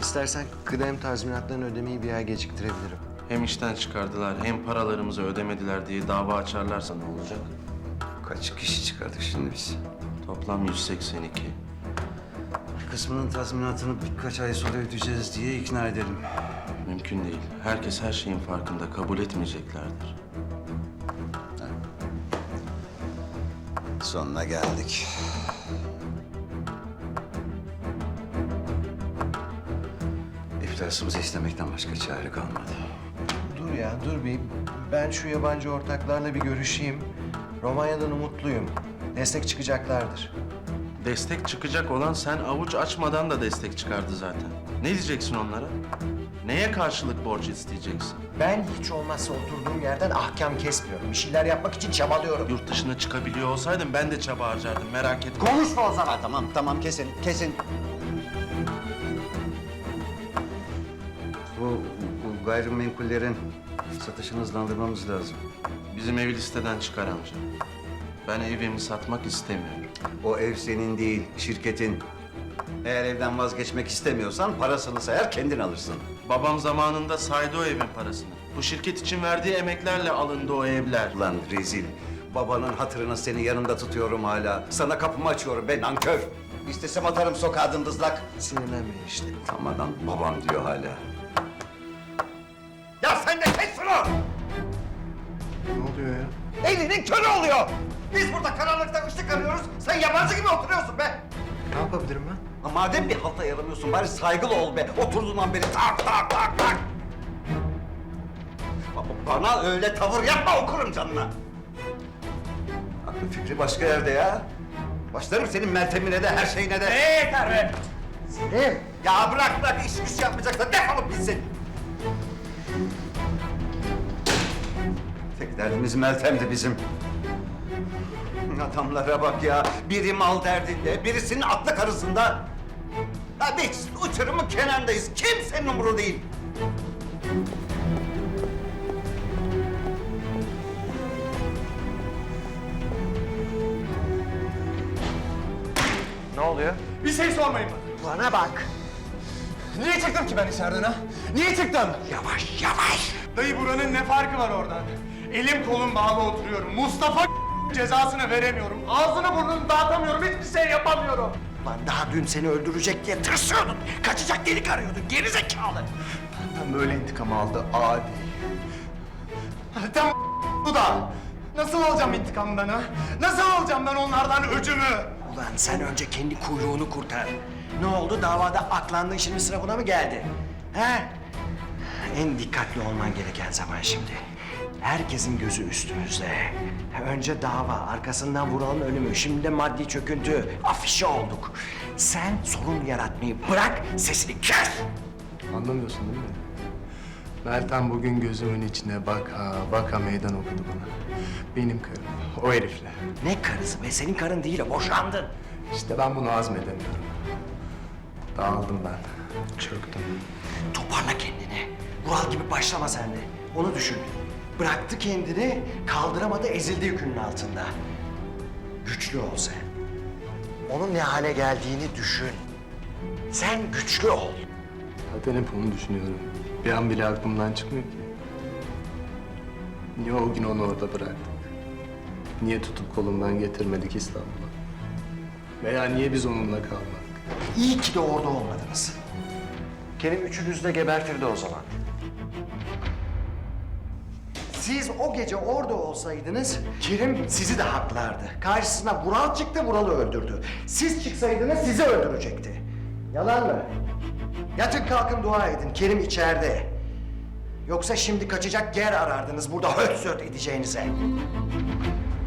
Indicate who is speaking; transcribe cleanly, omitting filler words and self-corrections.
Speaker 1: İstersen kıdem tazminatlarını ödemeyi bir ay geciktirebilirim.
Speaker 2: Hem işten çıkardılar hem paralarımızı ödemediler diye dava açarlarsa ne olacak?
Speaker 1: Kaç kişi çıkardık şimdi biz?
Speaker 2: Toplam 182.
Speaker 1: Bir kısmının tazminatını birkaç ay sonra ödeyeceğiz diye ikna edelim.
Speaker 2: Mümkün değil. Herkes her şeyin farkında. Kabul etmeyeceklerdir.
Speaker 1: Sonuna geldik. İflasımızı istemekten başka çare kalmadı. Dur ya, dur bir. Ben şu yabancı ortaklarla bir görüşeyim. Romanya'dan umutluyum. Destek çıkacaklardır.
Speaker 2: Destek çıkacak olan sen avuç açmadan da destek çıkardı zaten. Ne diyeceksin onlara? Neye karşılık borç isteyeceksin?
Speaker 3: Ben hiç olmazsa oturduğum yerden ahkam kesmiyorum. Bir şeyler yapmak için çabalıyorum.
Speaker 2: Yurt dışına çıkabiliyor olsaydım ben de çaba harcardım, merak etme.
Speaker 3: Konuşma o zaman.
Speaker 1: Tamam, kesin. Bu gayrimenkullerin satışını hızlandırmamız lazım.
Speaker 2: Bizim evi listeden çıkar amca. Ben evimi satmak istemiyorum.
Speaker 1: O ev senin değil, şirketin. Eğer evden vazgeçmek istemiyorsan parasını sayar kendin alırsın.
Speaker 2: Babam zamanında saydı o evin parasını. Bu şirket için verdiği emeklerle alındı o evler.
Speaker 1: Ulan rezil. Babanın hatırını senin yanında tutuyorum hala. Sana kapımı açıyorum be nankör. İstesem atarım sokağa dımdızlak.
Speaker 3: Sinirlenme işte.
Speaker 1: Tam adam babam diyor hala.
Speaker 3: Ya sen de kes şunu!
Speaker 1: Ne oluyor ya?
Speaker 3: Elinin körü oluyor! Biz burada karanlıkta ışık arıyoruz, sen yabancı gibi oturuyorsun be!
Speaker 1: Ne yapabilirim ben? Madem bir halta yaramıyorsun bari saygılı ol be. Oturduğundan beri tak. Bana öyle tavır yapma okurum canına. Aklı fikri başka yerde ya. Başlarım senin Meltem'ine de her şeyine de.
Speaker 3: Yeter be! Selim!
Speaker 1: Ya bırak iş güç yapmayacaksa defolup gitsin. Tek derdimiz Meltem'di bizim. Adamlara bak ya. Biri mal derdinde, birisinin aklı karısında. Ya biz uçurumun kenarındayız. Kimsenin umuru değil.
Speaker 3: Ne oluyor?
Speaker 4: Bir şey sormayın bana.
Speaker 3: Bana bak!
Speaker 4: Niye çıktım ki ben içeriden ha? Niye çıktım?
Speaker 3: Yavaş!
Speaker 4: Dayı buranın ne farkı var oradan? Elim kolum bağlı oturuyorum. Mustafa cezasını veremiyorum. Ağzını burnunu dağıtamıyorum. Hiçbir şey yapamıyorum.
Speaker 3: Lan daha dün seni öldürecek diye tırsıyordun. Kaçacak delik arıyordun, geri zekalı!
Speaker 4: Benden böyle intikam aldı adi. Tam bu da. Nasıl alacağım intikamdan ha? Nasıl alacağım ben onlardan öcümü?
Speaker 3: Ulan sen önce kendi kuyruğunu kurtar. Ne oldu? Davada aklandın, şimdi sıra buna mı geldi? He? En dikkatli olman gereken zaman şimdi. Herkesin gözü üstümüzde. Önce dava, arkasından Vural'ın ölümü, şimdi de maddi çöküntü. Afişe olduk. Sen sorun yaratmayı bırak, sesini kes!
Speaker 4: Anlamıyorsun değil mi? Meltem bugün gözümün içine baka meydan okudu bana. Benim karım, o herifle.
Speaker 3: Ne karısı be? Senin karın değil o, boşandın.
Speaker 4: İşte ben bunu hazmedemiyorum. Dağıldım ben, çöktüm.
Speaker 3: Toparla kendini. Vural gibi başlama sen de. Onu düşün. Bıraktı kendini, kaldıramadı, ezildi yükünün altında. Güçlü ol sen. Onun ne hale geldiğini düşün. Sen güçlü ol.
Speaker 4: Zaten hep onu düşünüyorum. Bir an bile aklımdan çıkmıyor ki. Niye o gün onu orada bıraktık? Niye tutup kolundan getirmedik İstanbul'a? Veya niye biz onunla kalmadık?
Speaker 3: İyi ki de orada olmadınız. Kerim üçünüzü de gebertirdi o zaman. Siz o gece orada olsaydınız, Kerim sizi de haklardı. Karşısına Vural çıktı, Vural'ı öldürdü. Siz çıksaydınız sizi öldürecekti. Yalan mı? Yatın kalkın dua edin, Kerim içeride. Yoksa şimdi kaçacak yer arardınız burada höt söt edeceğinize.